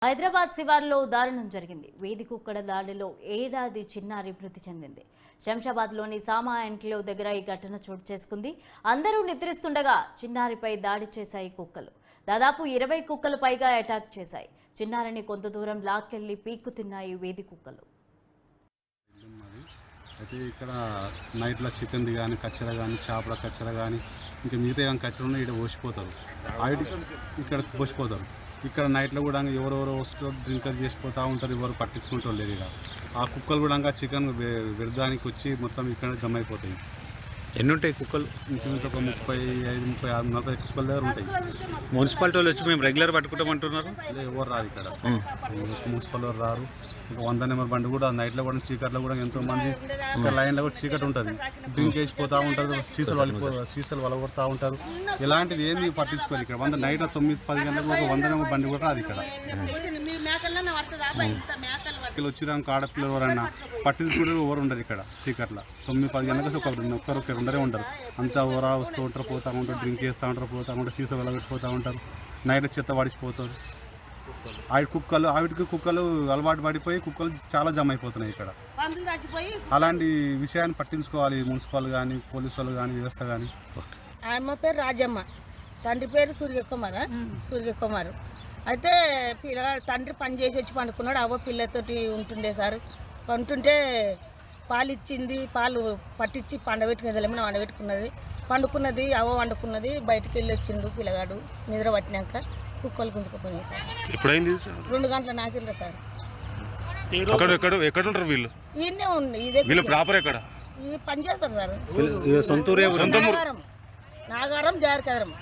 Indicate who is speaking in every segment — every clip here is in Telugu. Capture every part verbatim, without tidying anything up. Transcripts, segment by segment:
Speaker 1: హైదరాబాద్ శివార్లో దారుణం జరిగింది. వీధి కుక్కల దాడిలో ఏడాది చిన్నారి మృతి చెందింది. శంషాబాద్లోని సామా ఎన్క్లేవ్ దగ్గర ఈ ఘటన చోటు చేసుకుంది. అందరూ నిద్రిస్తుండగా చిన్నారిపై దాడి చేశాయి కుక్కలు. దాదాపు ఇరవై కుక్కలు పైగా అటాక్ చేశాయి. చిన్నారిని కొంత దూరం లాక్కెళ్లి పీక్కు తిన్నాయి వీధి కుక్కలు.
Speaker 2: అయితే ఇక్కడ నైట్లో చికెన్ది కానీ కచ్చర కానీ చేపల కచ్చర కానీ ఇంకా మిగతా కానీ కచ్చర ఉన్నాయి. ఇక్కడ పోసిపోతారు, ఆవిడ ఇక్కడ పోసిపోతారు. ఇక్కడ నైట్లో కూడా ఎవరెవరో వస్తూ డ్రింకర్ చేసిపోతూ ఉంటారు, ఎవరు పట్టించుకుంటూ లేరు. ఇక్కడ ఆ కుక్కలు కూడా చికెన్ విరదానికి వచ్చి మొత్తం ఇక్కడ జమ అయిపోతాయి.
Speaker 3: ఎన్ని ఉంటాయి కుక్కలు?
Speaker 2: ఇంచుమించు ఒక ముప్పై ఐదు ముప్పై ఆరు నలభై కుక్కల దగ్గర ఉంటాయి.
Speaker 3: మున్సిపాలిటీ వాళ్ళు వచ్చి మేము రెగ్యులర్ పట్టుకుంటామంటున్నారు.
Speaker 2: ఎవరు రారు ఇక్కడ, మున్సిపల్ వారు రారు. ఇంకా వంద నెంబర్ బండి కూడా నైట్లో కూడా చీకట్లో కూడా ఎంతో మంది ఇక్కడ లైన్లో కూడా చీకటి ఉంటుంది, డ్రింక్ వేసిపోతూ ఉంటారు, సీసాలు వలిపో సీసాలు వలగొడతా ఉంటారు. ఇలాంటిది ఏమీ పట్టించుకోరు. ఇక్కడ వంద నైట్ తొమ్మిది పది గంటలకు ఒక వంద నెంబర్ బండి కూడా రాదు. ఇక్కడ వచ్చినాక ఆడపిల్లలు ఎవరన్నా పట్టించుకుంటారు, ఎవరు ఉండరు ఇక్కడ చీకట్లో. తొమ్మిది పది గంటలకు ఒక ఒక్కరు ఉండరే ఉండరు. అంతా ఎవరా వస్తూ ఉంటారు, పోతూ ఉంటారు, డ్రింక్ చేస్తూ ఉంటారు, పోతూ ఉంటారు, సీసా వెలగొట్టిపోతూ ఉంటారు. నైట్ చెత్త పడిచిపోతారు. ఆవిడ కుక్కలు ఆవిడకి కుక్కలు అలవాటు పడిపోయి కుక్కలు చాలా జమ అయిపోతున్నాయి ఇక్కడ. అలాంటి విషయాన్ని పట్టించుకోవాలి మున్సిపల్ కానీ పోలీసు వాళ్ళు కానీ వ్యవస్థ కానీ.
Speaker 4: అమ్మ పేరు రాజమ్మ, తండ్రి పేరు సూర్యకుమార్ సూర్యకుమార్ అయితే పిల్లగాడు తండ్రి పని చేసి వచ్చి పండుకున్నాడు. అవ్వ పిల్లతోటి ఉంటుండే సార్. పంటుంటే పాలు ఇచ్చింది, పాలు పట్టించి పండబెట్టుకునేది, ఏమైనా వండబెట్టుకున్నది, పండుకున్నది. అవ్వ వండుకున్నది. బయటకు వెళ్ళి వచ్చిండు పిల్లగాడు. నిద్ర పట్టినాక కుక్కలు గుంజుకుపోయినాయి సార్.
Speaker 3: ఎప్పుడైంది?
Speaker 4: రెండు గంటల నాకిందా సార్.
Speaker 3: ఎక్కడ ఉంటారు వీళ్ళు?
Speaker 4: ఈయనే ఉంది. ఇదే
Speaker 3: వీళ్ళు ప్రాపర్ ఎక్కడ
Speaker 4: ఈ పని చేస్తారు సార్.
Speaker 3: నాగారం
Speaker 4: నాగారం జారకదరం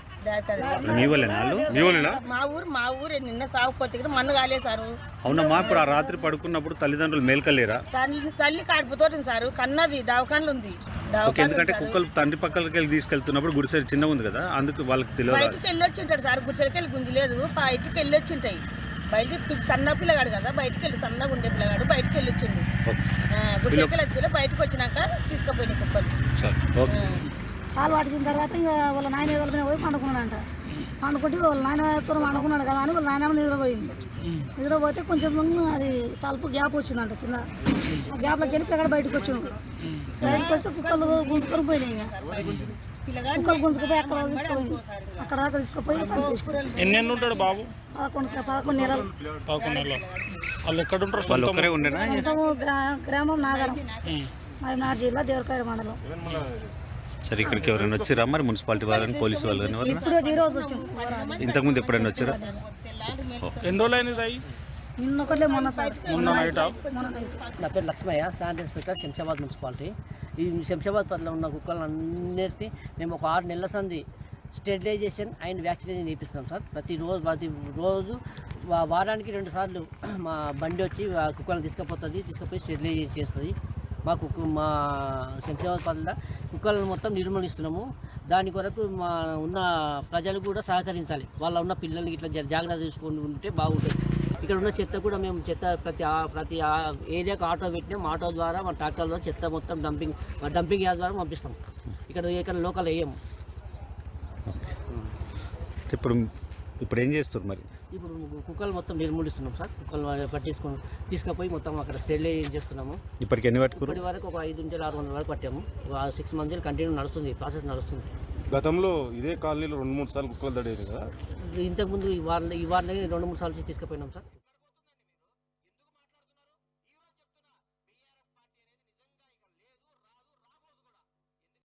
Speaker 4: మా ఊరు మా ఊరు నిన్న సాగుపోతే మన్ను కాలేదు.
Speaker 3: అవునమ్మా, ఇప్పుడు ఆ రాత్రి పడుకున్నప్పుడు తల్లిదండ్రులు మేల్కలేరా?
Speaker 4: తల్లి తల్లి కాడిపోతుంది సార్. కన్నది దవాఖానలు ఉంది.
Speaker 3: ఎందుకంటే కుక్కలు తండ్రి పక్కలకి వెళ్ళి తీసుకెళ్తున్నప్పుడు గుడిసె చిన్నగా ఉంది కదా, అందుకు వాళ్ళకి తెలియదు.
Speaker 4: బయటకు వెళ్ళి వచ్చింటాడు సార్. గుడిసెలకి వెళ్ళి గుంజలేదు, బయటకు వెళ్ళి వచ్చింటాయి. బయట సన్న పిల్లగాడు కదా, బయటకు వెళ్ళి సన్నగా ఉండే పిల్లగాడు బయటకు వెళ్ళి వచ్చింది. గుడిసెలకి వెళ్ళి వచ్చి బయటకు వచ్చినాక తీసుకుపోయినాయి కుక్కలు.
Speaker 5: పాలు పట్టించిన తర్వాత ఇక వాళ్ళ నాయన వాళ్ళని పోయి పండుకున్నాడంట. పండుకుంటే వాళ్ళ నాయనతో పండుకున్నాడు కదా అని వాళ్ళ నాయన నిద్రపోయింది. నిద్రపోతే కొంచెం అది తలుపు గ్యాప్ వచ్చిందంట కింద. ఆ గ్యాప్లోకి వెళ్ళి పిల్లగాడు బయటకు వచ్చినాడు. బయటకు వస్తే కుక్కలు గుంజుకొని పోయినాయి. ఇక కుక్కలు గుంజుకుపోయి అక్కడ తీసుకుపోయి అక్కడ దాకా తీసుకుపోయి చంపేస్తారు.
Speaker 3: ఎన్ని ఉంటాడు బాబు?
Speaker 5: పదకొండు పదకొండు నెలలు.
Speaker 3: ఉంటాము
Speaker 5: గ్రామం నాగరం, మహబూబ్నగర్ జిల్లా, దేవరకాయ మండలం.
Speaker 3: సరే, ఇక్కడికి ఎవరైనా వచ్చారా మరి? మున్సిపాలిటీ వాళ్ళని పోలీసు వాళ్ళు కానీ ఇంతకుముందు ఎప్పుడైనా వచ్చారా? ఎన్ని రోజులు అయినది?
Speaker 5: నిన్న ఒకటే మొన్న సార్.
Speaker 6: నా పేరు Lakshmayya, sanitary inspector, Shamshabad municipality. ఈ శంషాబాద్ పరిధిలో ఉన్న కుక్కలన్నిటినీ మేము ఒక ఆరు నెలల సంది స్టెరిలైజేషన్ అండ్ వ్యాక్సినేషన్ చేపిస్తాం సార్. ప్రతిరోజు ప్రతి రోజు వారానికి రెండు సార్లు మా బండి వచ్చి కుక్కలను తీసుకుపోతుంది, తీసుకుపోయి స్టెరిలైజ్ చేస్తుంది. మా కుక్క మా శంషాబాద్ పరిధిలో కుక్కలను మొత్తం నిర్మూలిస్తున్నాము. దాని కొరకు మా ఉన్న ప్రజలు కూడా సహకరించాలి. వాళ్ళ ఉన్న పిల్లల్ని ఇట్లా జాగ్రత్త తీసుకొని ఉంటే బాగుంటుంది. ఇక్కడ ఉన్న చెత్త కూడా మేము చెత్త ప్రతి ప్రతి ఏరియాకు ఆటో పెట్టినాం. ఆటో ద్వారా మా ట్రాక్టర్ ద్వారా చెత్త మొత్తం డంపింగ్ డంపింగ్ యార్డ్ ద్వారా పంపిస్తాం. ఇక్కడ ఇక్కడ లోకల్ వేయము.
Speaker 3: ఇప్పుడు ఇప్పుడు ఏం చేస్తారు మరి?
Speaker 6: ఇప్పుడు కుక్కలు మొత్తం నిర్మూలిస్తున్నాం సార్. కుక్కలు పట్టించుకొని తీసుకుపోయి మొత్తం అక్కడ స్టెరిలైజ్ చేస్తున్నాము.
Speaker 3: ఇప్పటికి ఎన్ని పట్టుకున్నారు?
Speaker 6: ఇప్పటి వరకు ఒక ఐదు నుంచి ఆరు వందల వరకు పట్టాము. సిక్స్ మంత్స్ కంటిన్యూ నడుస్తుంది, ప్రాసెస్ నడుస్తుంది.
Speaker 7: గతంలో ఇదే కాలనీలో రెండు మూడు సార్లు కుక్కలు దడేది కదా.
Speaker 6: ఇంతకుముందు ఈ వారం ఈ వారం రెండు మూడు సార్లు తీసుకుపోయినాం సార్.